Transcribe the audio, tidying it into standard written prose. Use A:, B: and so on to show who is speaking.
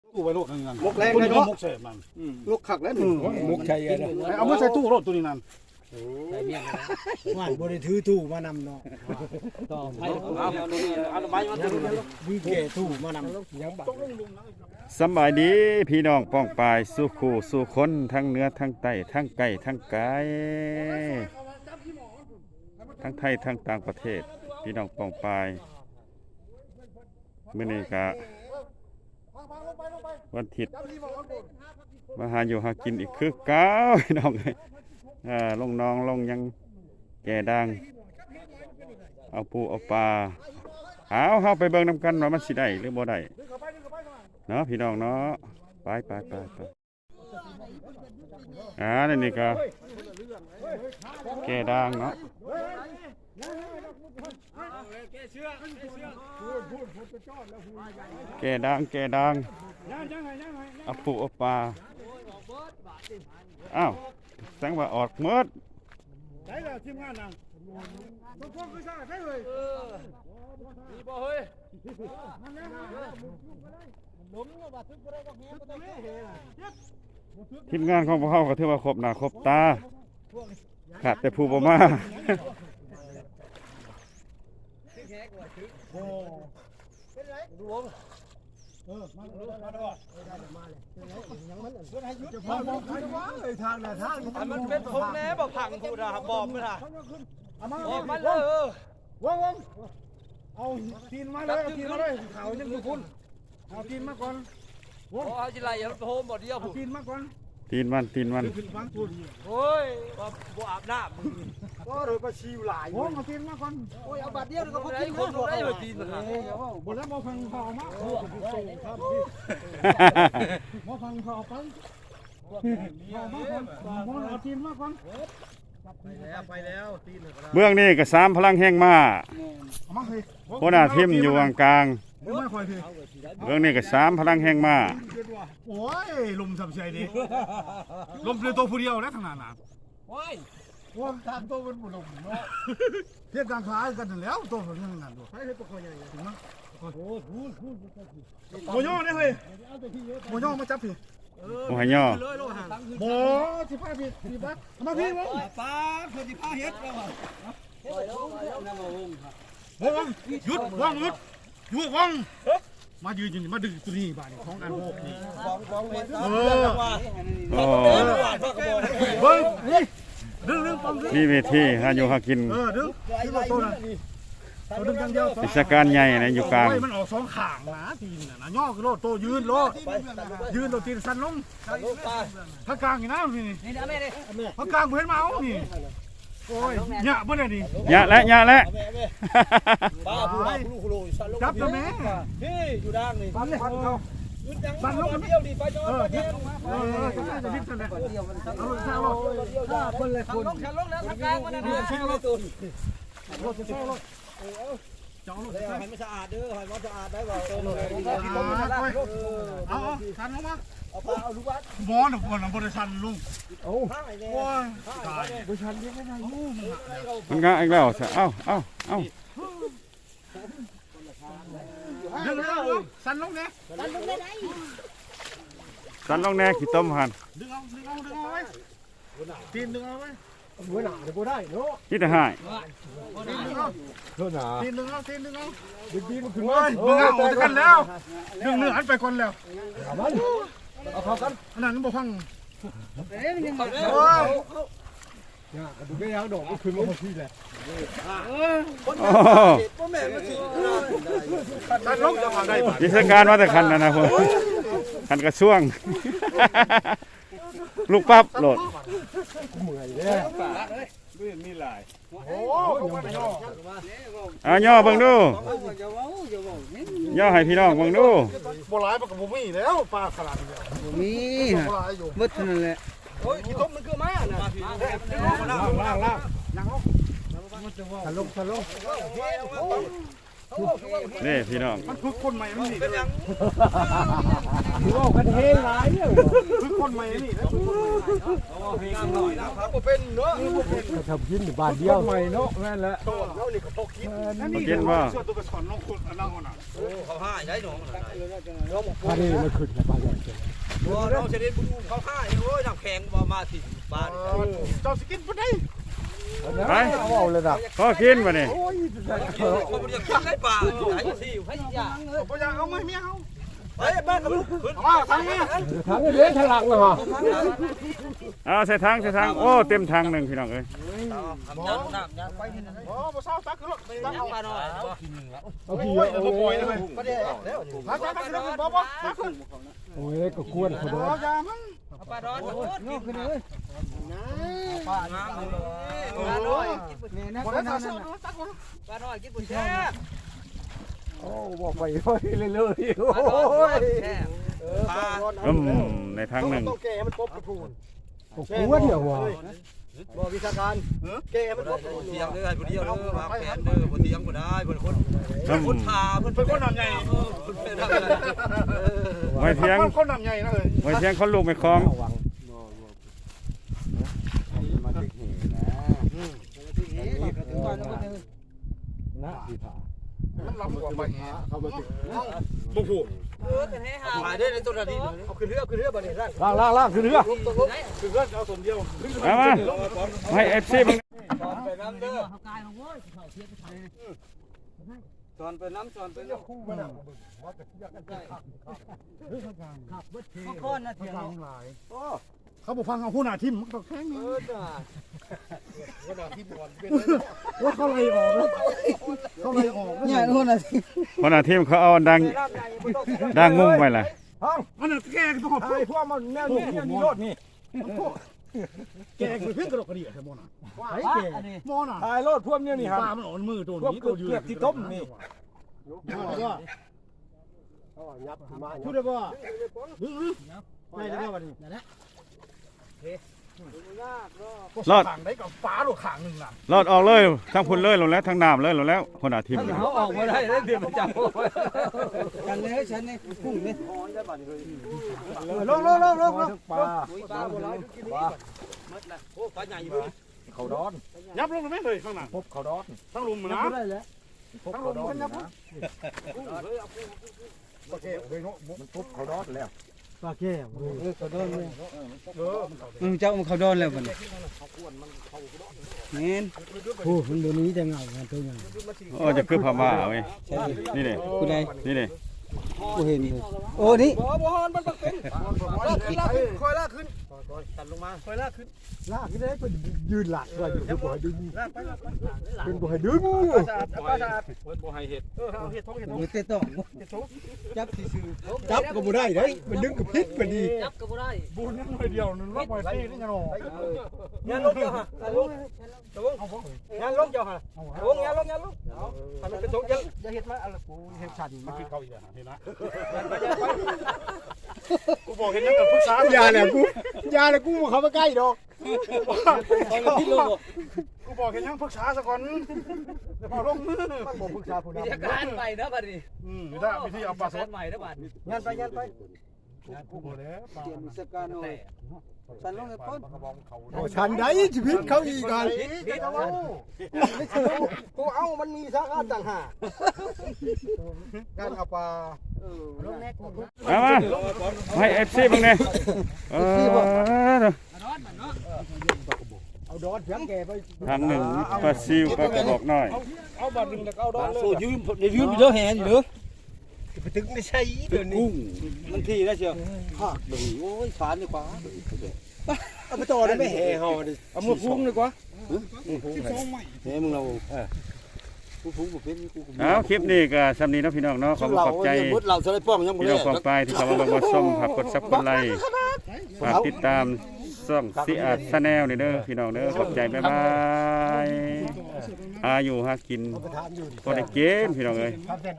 A: ตู้ไว้โลดนั่นนั่น
B: มกแรง
A: ตัว
B: เลย
A: นี้ก็
B: เนาะ
A: มกเสพมัน
B: ลูกขักแล้วนี่
C: มุกชัยอะ
A: เอามาใส่ตู้โลดตัวนี้นั่น
C: ว่าบ่ได้ถือตู้มานำเนาะ
A: เอาไม้มาตัวนี้
C: มีแก่ตู้มานำยังบัก
D: สำบายดีพี่น้องป้องปายสู้คู่สู้คนทั้งเหนือทั้งใต้ทั้งไกลทั้งไกลทั้งไทยทั้งต่างประเทศพี่น้องป้องปายมื้อนี้ก็วันอาทิตย์มาหาอยู่หากินอีกคือเก่าพี่น้องลงน้องลงยังแก่ดังเอาปูเอาปลาเฮาไปเบิ่งนำกันว่ามันสิได้หรือบ่ได้เนาะพี่น้องเนาะไปนี่ก็แก่ดังเนาะแก่ดังเอาปูเอาปลาอ้าวแสดงว่าออกหมด
A: ใช่แล้วทีมงานนั่งทุกคนคือซ่าใช่เลยมีบ่เฮ้ย
D: ทีมงานของพวกเขาก็ถือว่าครบหน้าครบตาขาดแต่ผู้บ่มา
E: มันเป็นพงแน่บอกผังกูนะบอกมันนะบอกมันเลย
A: วงเอาทีนมาเลยเอาทีนมาเลยเขายังอยู่คุณเอาทีนมาก่อนวง
E: เอาจิไรอย่าโฮมบ่เดียว
A: เอาทีนมาก่อน
D: ตีนมัน
A: ขึ้นฟังคุณ
E: โอ้ยบ่อาบน้ำ
B: ก็เลยมาชิวหลายว
A: งเอาทีนมาก่อน
B: โอ้ยเอาบาดเดียวก็พอ
E: ได้
B: กิน
E: คนได้มาตีนนะ
A: บนแล้วมาฟังข่าวมาครับมาฟังข่าวไปเอาทีนมาก่อน
B: ไปแล้วตีน
D: เบื้องนี้ก็3พลังแห่งมา
A: เอามาเลย
D: หัวหน้าทีมอยู่กลาง
A: ไม่ค่อยคือ
D: เบื้องนี้ก็3พลังแห่งมา
A: โอ้ยลมสับใจดิลมเรือตัวผู้เดียวแล้วทางนั้นนะวงทางตัวมันบุลมเนาะเทียบทางคล้ายกันแล้วตัวมันยังนั่นด้วยใช่ให้ตัวคอยใหญ่ถึงมั้งโอ้โย่เนี่ยเฮ้ยโมย่อมาจับพี่
D: โอ้ยย่อ
A: โมสิพาพี่สิบักมาพี่วง
B: ป้าคนที่พาเฮ็ดแล้ว
A: วงหยุดวงหยุดวงมายืนมาดึงตัวนี้บ้านของอันโบกนี่เบิ้งนี่ดึงปั๊มดึง
D: นี่เวทีหาอยู่หากิน
A: ดึงตัวนั้นตัวดึงอย่างเดียว
D: กิจการใหญ่นะอยู่กลาง
A: มันออก2ข้างนะทีน่ะนะย่อคือโลดโตยืนโลดยืนโลดตีนสั่นลงถ้ากลางนี่นะนี่ถ้ากลางเพิ่นมาเอานี่โอ้ยหยะบ่ได้นี่
D: ยะและ
B: ป้าผู้หาผู้ลูกสั่นลง
A: จับตัวแม่
B: พี่อยู่ด้านนี่
A: ปั่นเลยสั่นลงกัน
B: เดียวดีไปจอด
A: จะดิ้นสั่นเลยเอาลงซ่าลงคนเลยคน
E: ลงฉันลงแล้วทางกลางมันนะ
B: แช่เลยตุน
A: รถจะซ่าลงจ้องลง
B: ให้มันสะอาดเด้อให้มันสะอาดได้บ่
A: เอาสั่นลงมา
B: เอาปลาเอาลูกวัด
A: บอลบริษัทลุง
B: ข้างไหนแน่
A: โอ้ยตายบริษัทเรียกไม่ได้ยูมัน
D: มันก็อีกแล้วเอ้า
A: ดึงเลยสั่นลงเนี่ย
D: สันลงแน่ขี้ต้มหัน
A: ดึงเอาไว้ตีนดึงเอาไว้
C: หัวหน้าเดี๋ยวบ่ได้เนาะ
D: คิดแต่หาย
A: ตีนดึงเอา
C: เท่าหน้า
A: ตีนดึงเอา
C: ดีๆมันขึ้น
A: โอ้
C: มาย
A: ดึงเอาออกจากกันแล้วดึงเนื้ออันไปก่อนแล้ว
C: เอาเข้ากัน
A: อันนั้นบ่ฟัง
C: เนี่ยดูแม่ยังดอกมันขึ้นมาพอดีแหละ
B: พ่อแม่มาถึง
A: สั่นลงจะมาได้ป่ะ
D: กิจการว่าแต่คันนะพวกคันกระช่วง ลูกปั๊บโหลด
C: เมื่อยแล้ว
A: โอ้ยย่อ
D: ย่อเบิ่งดูย่อให้พี่น้องเบิ่งดู
A: บ่หลายมันก็บ่มีแล้วปลาขนาดนี้
B: มี
A: บ่หลายอยู่
B: มืดนั่นแหละโอ้ยขี้ต้มมันคือมาน่ะ
A: ล่างยังเอา
C: ทะลง
D: นี่พี่น้อง
A: มันคือคนใหม่มันนี่
E: เป็นยัง
C: ถือว่ากันเฮงหลายเนี่ย
A: คือคนใหม่นี่นะ
B: ครับบ่เป็นเนาะ
C: ก็ทำกินอยู่บ้านเดียวใหม่เนาะแม่นแหละ
B: เขานี่ก็พกคิด
A: นี่เดี๋ยวเชื่อตัวไปสอนน้องคนนั่งคนน่ะ
E: เขาให้ได้หนู
C: พานี่มันขึ้นกับบ้านใหญ่
E: เราจะได้บุญเขาให้โอ้ยน้ำแข็งมาสิบ้าน
A: เจ้าสกินปุ๊ดได้
D: ไป
C: เอาเลยนะ
D: ก็กินมาเนี่ย
E: เขาไม่ได้กินได้ป่าไหนสิให้ยา
A: บ่อยากเอาไหมเมียเอา
E: ไปบ้านกับลูก
A: เอาทางนี้
C: ทางนี้เลี้ยงทางหลังเลยฮะ
D: เอาใส่ทางโอ้เต็มทางหนึ่งพี่น้องเอ้ย
E: ยันน้ำยันไปที่นั่น
A: โอ้บ่เศร้าตักขึ้นรถไปตัก
E: ยั
A: เอา
E: งมาหน่อย
C: เอาพี่
A: โอ้ยเดี๋ยวบ่ปล่อยเลย
E: ก็ได้แล้ว
A: ตักขึ้นบ่บ่ตักขึ้น
C: โอ้ยก็กวนเขา
A: บ่
C: ด้วย
A: อย่ามัน
E: ป้าดอนนี่ขึ้นเลย
B: ป้า
E: น้ำเลย
B: ป้าน้อยนี่นะ
A: บ่
B: ก็
A: ได้
B: นั่
A: ตัก
B: น
A: ขึ้น
B: น่ะ
A: ตักขึ้น
E: ป้าน้อยกินบุญแช่
C: โอ้บอกไปเรื่อยๆโอ้
E: ป้าน้อย
C: ย
E: แช่ป้า
D: ในทางหนึ่ง
B: ต้องแก้มันปบกระพูน
C: กวนเนี่ยว่ะ
B: บ่วิชาการแก้มันปบกระพูน
E: เสียงเลยบุญเดียวเลยมาแขนเลยบุญเสียงบุญได้บุญคนคนพาเพื่อน
A: เป็นคนนำใหญ่
E: คนเป็นอะไร
D: ไว้เทียง
A: คนนำใหญ่นะเอ้ย
D: ไว้เทียงเขาลูกไม่คล้อง
C: มาถึงเหนะพี่ผา
A: มันลำกว่าไป
C: เข้ามาถึง
A: บ่ฮู้
E: เป็นให้หาหายได้ในตัวนี้
B: เอาขึ้นเรือบ่นี่ร่าง
C: ล่างคือเรือ
A: คือเพื่อนเอาสมเดียว
D: มาให้เอฟซีมึง
E: สอนไปน้ำเด้อสอนไปน้ำสอนไปน้ำคู่มันข้อนะเถียง
A: เขาบ่ฟังเอาหู้หน้าทิ่มมันก็แข็งนี่
E: จ้า
A: ว่าเขาไล่ออกนะเขาไล่ออกนะ
B: เนี่ยนู่นน่ะ
D: คนอาทีมเขาเอาดังงุ้มไว้ล่ะ
A: มันน่ะแกก็ต้องพูด
C: พวกมันแนวนี้นี่รถนี่
A: แกก็เพิ่งกระดกกระเดี่ยใช่มั้งน่ะ
C: ไอ้เก๋
A: มอน่ะ
C: ถ่ายรถพวกนี้นี่ฮะ
A: ปลามันอ่อนมือตัว
C: พวก
A: นี้ตัวยืน
C: เกือบที่ต้มนี่
A: พูดได้ป่ะไม่ได้ป่ะนี่รอดขางได้กับฟ้าหรือขางหนึ่งน่ะ
D: รอดออกเลยทั้งพุ่นเลยลงแล้วทั้งน้ำเลยลงแล้วคนอาทีม
E: เขาออกมาได้เดือนประจำ
B: กันเลยฉันนี่พุ่งนี่
C: ลงปลา
E: ปลาโบราณกินนี่มัดละโอ้ปลาใหญ่อยู่
C: เขาดอน
A: ยับลงไหมเลยข้างหน้า
C: พบเขาดอน
A: ทั้งลุมนะ
C: พบเขาดอนนะมันพบเขาดอนแล้วปลาแก้วเขาดอนเลย
B: เจ้ามันเขาโดนแล้วบัดนี้แม่น
C: โอ้มันตัวนี้จะเงาตัวใหญ่
D: โอ้จะคือพม่าเว้ยนี่เลย
B: ผู้ใด
D: นี่เลย
B: ผู้เห็นอยู่โอ้นี่
E: บ่ฮอนมันต้องเป็นลากขึ้นคอยลากขึ้นตัดลงมาคอยลากขึ้น
C: ลากได้เป็นยืนหลักว่าอยู่บ่ให้ดึง
E: ลากไปลากไป
C: เป็นบ่ให้ดึง
E: สะอาดปลาสะอาดบ่ให้เห็ดเอาเห็ดท้องเห็ดท้อง
B: มือเตะต้องจับซื่อ
C: จับก็บ่ได้เด้มันดึงกับพิษพอดี
E: จับก็บ่ได้
A: บุญนั่นเลยเดียวนึงว่าปล่อยซีนี่ยังหรอ
E: ยันลงเจ้าฮะยันลงยันลงเจ้าฮะลงยันลงยันลงทำมันเป็นทงยันอย่าเห็ดมาอะไรกูเห็ดชัน
A: มัน
E: มา
A: คือเขาอีกอ่ะเห็นนะ
E: ยันไปยันไป
A: กูบอกเห็นยังกับผู้ชาย
C: ยาแหละกูเข้ามาใกล้ดอก
A: กูบอกเห็นยังปรึกษาสักก่อนจะพอลงมือ
C: บ่ปรึกษาผู้
E: มี
C: นำ
E: การใหม่นะบัดนี้
A: ไม่ได้วิธีเอาปลาสด
E: ใหม่นะบัดนี้
B: ยันไปยันไป
A: กูบอกแล้วปลา
B: เตรียมสการหน่อยสันลงในพ้น
C: ฉันได้ชีวิตเขาอีกกัน
B: กูเอามันมีสาขาต่างหากการเอาปลา
D: มาให้เอฟซีมึงเนี่ย
C: เอาดอนเสียงแกไป
D: ทางหนึ่งปลาซิวปลากระบอกน้อย
A: เอาบาทหนึ่งแล้วก็เอาดอนเลย
B: โอ้ยืมไปเด้อแห่อยู่เด้อไปถึงไม่ใช่เดี๋ยวนี้มันทีแล้วเชียวภาคดึงโอ้ยสารดีกว่าเอาไปต่อได้ไหมแห่เฮาดิเอามือพุ่งดีกว่าแห่มึงเรากูพุ่งบ่เป็นกู
D: เอาคลิปนี้ก็สำนีเนาะพี่น้องเนาะขอบใจ
B: เราจะได้ป้องยังบ่
D: พี่
B: ได้
D: น้องกองไปที่เข้ามาเบิ่งมาชมฝากกดซับกดไลค์ฝากติดตามช่องซีอาร์ตชาแนลนี่เด้อพี่น้องเด้อขอบใจบ๊ายบายอยู่หากินพอได้เกมพี่น้องเอ้ย